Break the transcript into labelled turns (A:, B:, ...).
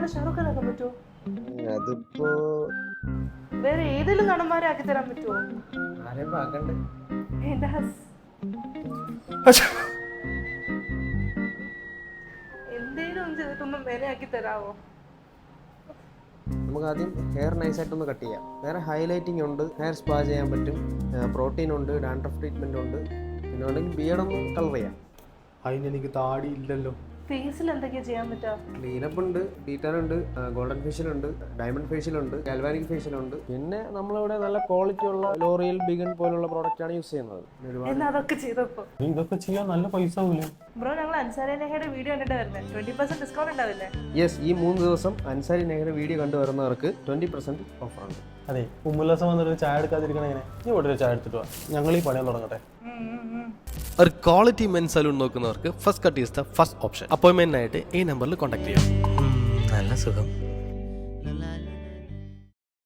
A: പോലെ ഷാറുഖ് ഖാൻ ആക്കാൻ പറ്റുമോ?
B: അതിപ്പോ
A: വേറെ ഏതെങ്കിലും നടന്മാരെ ആക്കി തരാൻ പറ്റുമോ?
B: ആരെയും ആക്കണ്ടേ?
A: എന്റെ എന്തേലും ഒന്ന് ചെയ്തിട്ടൊന്നും മേലെ ആക്കി തരാവോ?
B: നമുക്ക് ആദ്യം ഹെയർ നൈസായിട്ടൊന്ന് കട്ട് ചെയ്യാം. വേറെ ഹൈലൈറ്റിംഗ് ഉണ്ട്, ഹെയർ സ്പാ ചെയ്യാൻ പറ്റും, പ്രോട്ടീൻ ഉണ്ട്, ഡാൻഡ്രഫ് ട്രീറ്റ്മെന്റ് ഉണ്ട്, പിന്നെ ഉണ്ടെങ്കിൽ ബിയർഡൊന്ന് കളർ ചെയ്യാം.
C: അതിനെനിക്ക് താടി ഇല്ലല്ലോ.
A: ഫേസിൽ എന്തൊക്കെയാ ചെയ്യാൻ പറ്റുക?
B: ക്ലീനപ്പ് ഉണ്ട്, ഡീറ്റെയിൽ ഉണ്ട്, ഗോൾഡൻ ഫേഷ്യൽ ഉണ്ട്, ഡയമണ്ട് ഫേഷ്യൽ ഉണ്ട്, ഗാൽവാനിക് ഫേഷ്യൽ ഉണ്ട്. പിന്നെ നമ്മളിവിടെ നല്ല ക്വാളിറ്റി ഉള്ള ലോറിയൽ ബിഗൻ പോലുള്ള പ്രോഡക്റ്റ് ആണ് യൂസ് ചെയ്യുന്നത്.
A: എന്നാ അതൊക്കെ ചെയ്തപ്പോ
C: നീ ഇതൊക്കെ ചെയ്യാൻ നല്ല പൈസ ആവൂലേ?
A: ബ്രോ, ഞങ്ങൾ അൻസാരി നെഹയുടെ വീഡിയോ കണ്ടിട്ട് വരുന്നത് 20% ഡിസ്കൗണ്ട് ഉണ്ടാവില്ലേ?
B: യെസ്, ഈ 3 ദിവസം അൻസാരി നെഹ്റ വീഡിയോ കണ്ടുവരുന്നവർക്ക് 20% ഓഫർ ഉണ്ട്.
C: അതെ, ഉമ്മുല്ലാസം വന്നിട്ട് ചായ എടുക്കാതിരിക്കണ എങ്ങനെ? നീ ഇവിടെ ഒരു ചായ എടുത്തിട്ട് വാ, ഞങ്ങൾ ഈ പണിയാൻ തുടങ്ങട്ടെ.
D: ഒരു ക്വാളിറ്റി മെൻ സലൂൺ നോക്കുന്നവർക്ക് first cut is the first option. അപ്പോയിൻമെന്റിനായിട്ട് ഈ നമ്പറിൽ കോൺടാക്ട് ചെയ്യാം.
E: നല്ല സുഖം.